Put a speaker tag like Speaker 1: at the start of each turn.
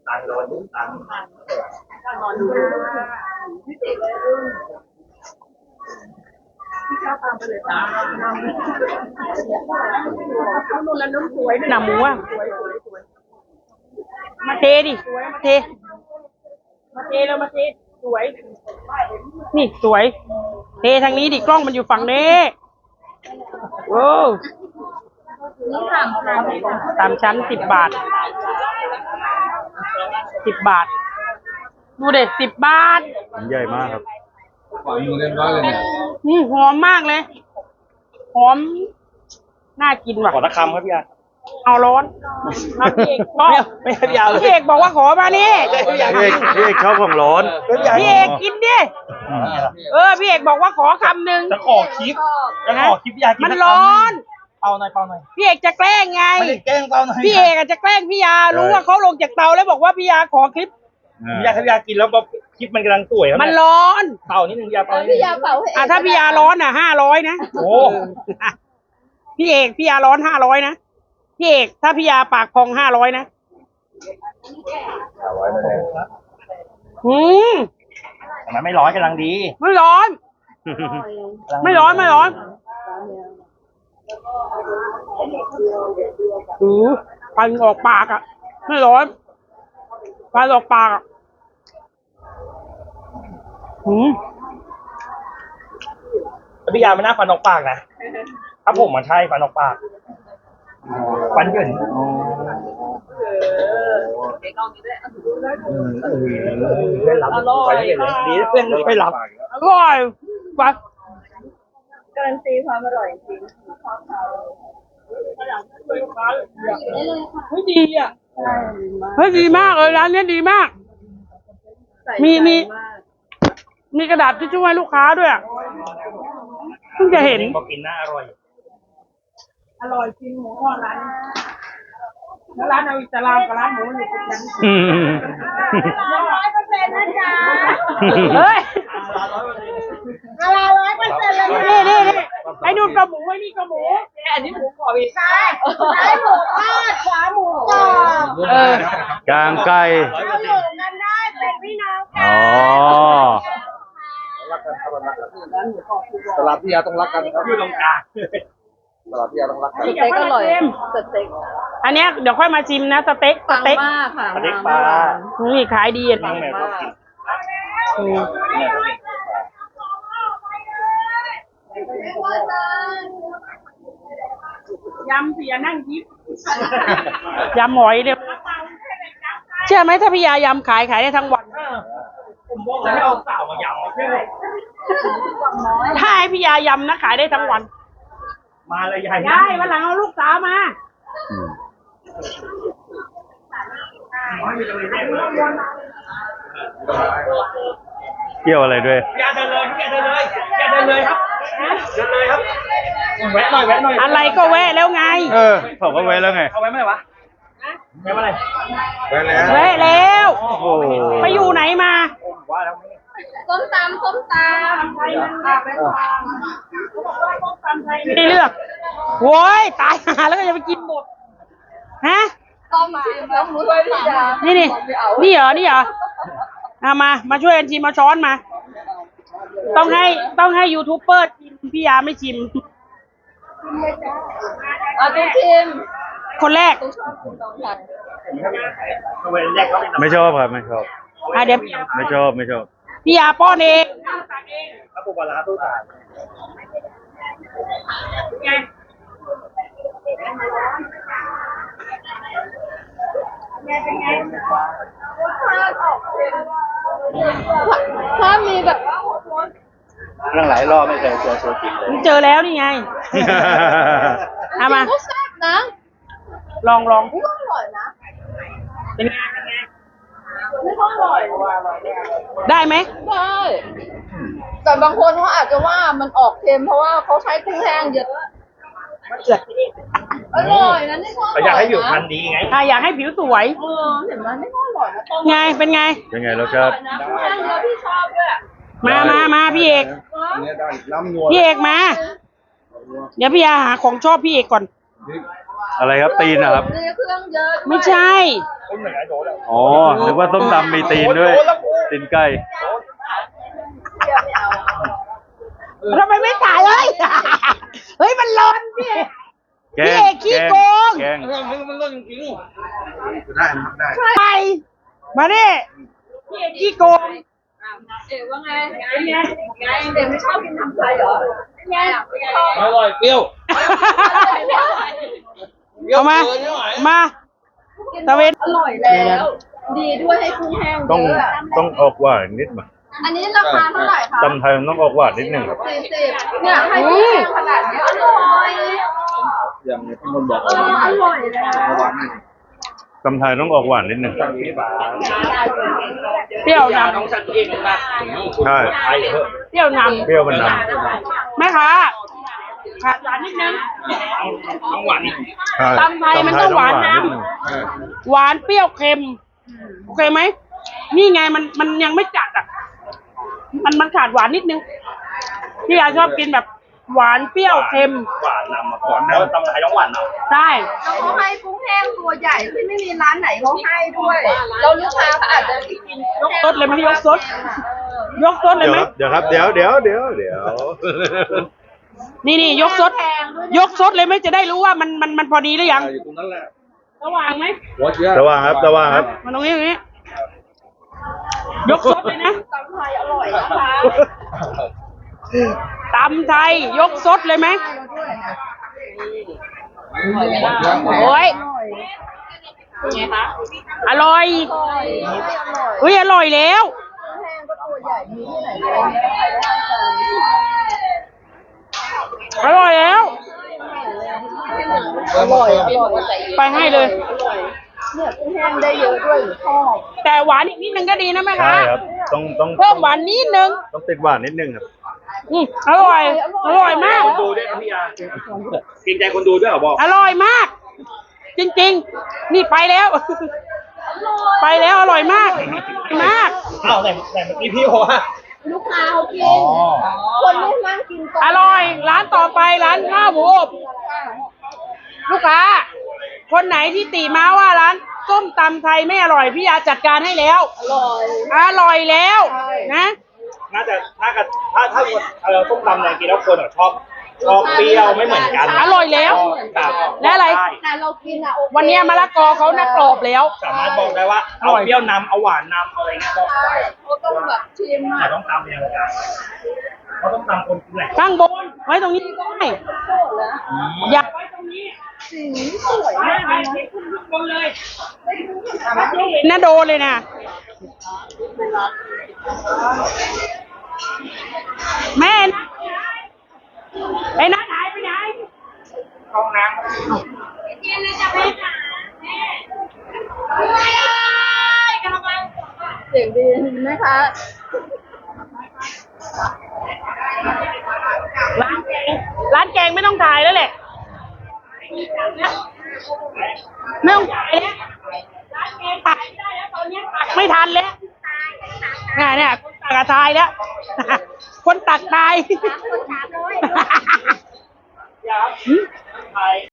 Speaker 1: ตังโดนตังนอนดูพี่ติเลยพี่ข้าวตามไปเลยจ้านุ่นแล้วนุ่นสวยหนาหมูอ่ะมาเทดิมาเทแล้วมาเทสวยนี่สวยเททางนี้ดิกล้องมันอยู่ฝั่งนี้โอ้ตามชั้น10 บาท10 บาทดูเด็ด10 บาท
Speaker 2: ใหญ่มากครับ
Speaker 3: เรียบร้อยเลยเนี่ย
Speaker 1: หอมมากเลยหอมน่ากินว่ะ
Speaker 2: ขอตะคำครับพี่อา
Speaker 1: เอาร้อนพี่เอกชอบไม่พี่เอกบอกว่าขอมานี่
Speaker 2: พี่เอกชอบของร้อน
Speaker 1: พี่เอกกินดิพี่เอกบอกว่าขอคำหนึ่ง
Speaker 2: จะขอคลิปพี่อากิน
Speaker 1: มันร้อน
Speaker 2: เป่าหน่อย
Speaker 1: พี่เอกจะแกล้งไง
Speaker 2: ไม่ได้แกล้งเป่าหน่อย
Speaker 1: พี่เอกจะแกล้งพี่ยารู้ว่าเขาลงจากเตาแล้วบอกว่าพี่ยาขอคลิป
Speaker 2: พี่ยากินแล้วคลิปมันกำลังสวย
Speaker 1: มันร้อน
Speaker 2: เป่านิดนึงพี่ยาเป่า
Speaker 1: ถ้าพี่ยาร้อน500นะ
Speaker 2: โอ้
Speaker 1: พี่เอกพี่ยาร้อน500นะพี่เอกถ้าพี่ยาปากพอง500นะ
Speaker 2: 500เลยทำไมไม่ร้อนกำลังดี
Speaker 1: ไม่ร้อนฟันออกปากอ่ะไม่ร้อนฟันออกปากอ่ะ
Speaker 2: พี่ยาไม่น่าฟันออกปากนะครับผมมันใช่ฟันออกปากฟันเหยินเพื่อนรับไปเห็นเลยดีเพื่อนไม่รับ
Speaker 1: อร่อยไป
Speaker 4: การันตีความอร่อยจริงชอบเขา
Speaker 1: เฮ้ยดีอ่ะเฮ้ยดีมากเลยร้านนี้ดีมากมีกระดาษที่ช่วยลูกค้าด้วยเพิ่งจะเห็น
Speaker 2: บอกกินน่าอร่อย
Speaker 1: จริงหมูทอดร้านแล้วร้านเอาอิสลามกับร้านหมูอยู่ติดกัน
Speaker 4: 100%นะจ๊ะ
Speaker 1: เฮ้ย
Speaker 4: 100%เลย
Speaker 1: นี่ไอ้นู่นก็หมูไอ้นี่ก็หมูอันนี้หมูกรอบอีก
Speaker 4: ใช่หมูทอดขวาหมูกรอบ
Speaker 2: กลางไก่
Speaker 4: เราอยู่กันได้เป็นพี่น้องกัน
Speaker 3: ตลาดพี่ยาต้องรักกันครับ
Speaker 2: อยู่ตรงกลาง
Speaker 3: ตลาดพี่ยาต้องรักกัน
Speaker 4: สเต็กอร่อยสเต็ก
Speaker 1: อันนี้เดี๋ยวค่อยมาชิมนะสเต็ก
Speaker 4: มากค่ะ
Speaker 2: สเต็กปลา
Speaker 1: นี่ขายดี
Speaker 2: มาก
Speaker 1: ยำเสียนั่งยิบยำหอยเดี๋ยวเชื่อไหมถ้าพี่ยายำขายได้ทั้งวัน
Speaker 2: ผมบอกแล้วให้เอาสาวมายำไม่ใช่
Speaker 1: ถ้าให้พี่ยายำนะขายได้ทั้งวัน
Speaker 2: มาเลยยาย
Speaker 1: วันหลังเอาลูกสาวมา
Speaker 2: เกี่ยวอะไรด้วย
Speaker 1: แกเดินเลยครับ
Speaker 2: แวะหน่อย
Speaker 1: อะไรก็แวะแล้วไง
Speaker 2: ผมก็แวะแล้วไง
Speaker 1: เอาแวะเมื่อไหร่วะ
Speaker 2: แวะเมื่อไหร่
Speaker 1: แวะแล้วไปอยู่ไหนมา
Speaker 2: ว่าแล้ว
Speaker 4: ส้มตำ
Speaker 1: ไม่เลือกโว้ยตายหาแล้วก็จะไปกินหมดฮะ
Speaker 4: ต้มมาแล้วรู้ด้วยพี่ยา
Speaker 1: นี่เหรอมาช่วยกันชิมมาช้อนมาต้องให้ยูทูบเบอร์ชิมพี่ยาไม่ชิม
Speaker 4: ต้องชิม
Speaker 1: คนแรก
Speaker 2: ไม่ชอบครับไม่ชอบ
Speaker 1: เดี๋ยว
Speaker 2: ไม่ชอบ
Speaker 1: พี่ยาป้อนเอง
Speaker 2: ถ้าปูปลาตู้ตา
Speaker 4: ถ้ามีแบบ
Speaker 2: เรื่องหลายรอบไม่เคยเจอตัวจริงเลย
Speaker 1: เจอแล้วนี่ไงมา
Speaker 4: ก็แซ่บนะ
Speaker 1: ลอง
Speaker 4: อร่อยนะ
Speaker 1: เป็นไง
Speaker 4: ไม่ค่อยอร่อย
Speaker 1: ได้ไหม
Speaker 4: ได้แต่บางคนเขาอาจจะว่ามันออกเค็มเพราะว่าเขาใช้กุ้งแห้งเยอะอร่อยนะนี่ก็
Speaker 2: อยากให้ผิวพรรณดีไง
Speaker 1: อยากให้ผิวสวย
Speaker 4: เห็นไหมไม่ค่อยอร่อยนะ
Speaker 1: ไงเป็นไง
Speaker 2: รสชาติ
Speaker 4: กุ้งแห้งเยอะพี่ชอบด้วย
Speaker 1: มาพี่เอกมาเดี๋ยวพี่ยาหาของชอบพี่เอกก่อน
Speaker 2: อะไรครับตีนนะครับ
Speaker 4: เครื่องเยอะ
Speaker 1: ไม่ใช่
Speaker 2: คุณเหมือนไอ้โดนแล้ว
Speaker 5: อ๋อนึกว่าส้มตำมีตีนด้วย ตีนไก่
Speaker 1: ทำไมไม่ถ่ายเลย เฮ้ยมันร้อนพี่
Speaker 5: แก
Speaker 1: พี่
Speaker 5: ง
Speaker 1: เอกขี้โกง
Speaker 5: แกง
Speaker 3: มันร่นจริงๆได้นะครับได้
Speaker 1: ไปมาดิพี่เอกขี้โกง
Speaker 4: เอ๋ว่าไงเป็นไงเด็กไม่ชอบกินทำไทยเหรอเป็นไงไม่ชอบ
Speaker 3: อร่อยเปรี้ยว
Speaker 1: เอามา มาตะเวน
Speaker 4: อร่อยแล้ว ดีด้วยให้กุ้งแห้ง
Speaker 5: ต้อง
Speaker 4: เยอะ
Speaker 5: ต้องออกหวานนิดมั้ย
Speaker 4: อันนี้ราคาเท่าไหร่คะ
Speaker 5: ตำไทยมันต้องออกหวานนิดหนึ่งครับ
Speaker 4: 40เนี่ยให้กุ้งแห้งขนาดนี้อร่อย
Speaker 3: อย่างที่คนบอก
Speaker 4: อร่อยแล้ว
Speaker 3: ระวังนี่
Speaker 5: ตำไทยต้องออกหวานนิดหนึ่ง
Speaker 1: เปรี้ยวนำ
Speaker 2: ต้องสั่งเองนะ
Speaker 5: ใช่
Speaker 2: ไอ้เถอะ
Speaker 1: เปรี้ยวนำ
Speaker 5: เปรี้ยวมันน
Speaker 1: แม่ค้าขาดหวานนิดนึง
Speaker 2: ต้องหวาน
Speaker 5: ำใช่
Speaker 1: ตำไทยมันต้องหวานนำ
Speaker 5: ดหง
Speaker 1: หวานเปรี้ยวเค็ม โอเคไหม นี่ไงมันยังไม่จัดอ่ะ มันขาดหวานนิดนึง พี่ยาชอบกินแบบหวานเปรี้ยวเค็ม
Speaker 2: หวานนำมาก่อนแล้วตำไทยต้องหวานนำ
Speaker 1: ใช่
Speaker 4: แล้วเขาให้กุ้งแห้งตัวใหญ่ที่ไม่มีร้านไหนเขาให้ด้วยเราลูกค้าเขาอาจจะกิน
Speaker 1: ยกซดเลยไหมยกซดยกซดเลยไหม
Speaker 5: เดี๋ยวครับเดี๋ยว
Speaker 1: นี่ยกซดยกซดเลยไหมจะได้รู้ว่ามันพอดีหรือยัง
Speaker 3: อยู่ตรงนั้นแหละ
Speaker 1: ระหว่างไหม
Speaker 3: หัวเชื้อ
Speaker 5: ระวังครับระวังครับ
Speaker 1: มันตรงนี้ยกซดเลยนะ
Speaker 4: ตำไทยอร่อยนะคะ
Speaker 1: ตำไทยยกซดเลยไหมโอ้ยอร่อยเฮ้ยอร่อยแล้ว
Speaker 4: กุ้งแห้งก็ตัวใหญ่มีที่ไหนเลยเนี่ยใครได้ทาน
Speaker 1: อร่อยแล้ว
Speaker 4: อร่อย
Speaker 1: ไปให้เลย
Speaker 4: เนี่ยกุ้งแห้งได้เยอะด้วยหรือชอบ
Speaker 1: แต่หวานอีกนิดนึงก็ดีนะแม่
Speaker 5: ใช่
Speaker 1: ค้า
Speaker 5: ครับต้อง
Speaker 1: เพิ่มหวานนิดนึง
Speaker 5: ต้องติดหวานนิดนึงครับ
Speaker 1: อร่อย อร่อยมาก
Speaker 2: คนดูด้วยครับพี่ยาเกรงใจคนดูด้วยเหรอบอก
Speaker 1: อร่อยมาก จริงๆ นี่ไปแล้ว ไปแล้วอร่อยมากมาก
Speaker 2: อ้าวไหนเมื่อกี้พี่บอกว่า
Speaker 4: ลูกค้าเขากินคนไม่นั่งกินก่อน
Speaker 1: อร่อย ร้านต่อไปร้านข้าวหมูอบลูกค้า คนไหนที่ติมาว่าร้านส้มตำไทยไม่อร่อยพี่ยาจัดการให้แล้ว อร่อยแล้วนะ
Speaker 2: น่าจะถ้าส้มตำเนี่ยกินแล้วคนชอบเปรี้ยวไม่เหมือนกัน
Speaker 1: อร่อยแล้ว และอะไร
Speaker 4: แต่เรากินอะโอเค
Speaker 1: วันนี้มะละกอเขาน่ากรอบแล้ว
Speaker 2: สามารถบอกได้ว่าเอาเปรี้ยวนำเอาหวานนำเอาอะไรเงี้ยบอก
Speaker 4: ใช่เขาต้องแบบชิม
Speaker 2: แต่
Speaker 4: อะ
Speaker 2: ต้องตำยังไงเขาต้องตำคนกินแหละ
Speaker 1: ข้างบนไว้ตรงนี้ก็ได้
Speaker 4: โคตรแล้ว
Speaker 1: อยากไว้ตรงนี้
Speaker 4: สีสวยมากเลยนะ
Speaker 1: ขึ้นข้างบนเลยเห็นนะโดนเลยนะแม่นะไอ้นัทหายไปไหน
Speaker 2: ห้องน้
Speaker 4: เสียงดีไหมคะ
Speaker 1: ร้านแกงไม่ต้องถ่ายแล้วแหละ ไม่ต้องถ่ายแล้วร้านแกงถ่ายไม่ได้แล้วตอนนี้ตักไม่ทันแล้วเนี่ยคนตักอะตายแล้ว คนตักตาย
Speaker 2: ำยาครับ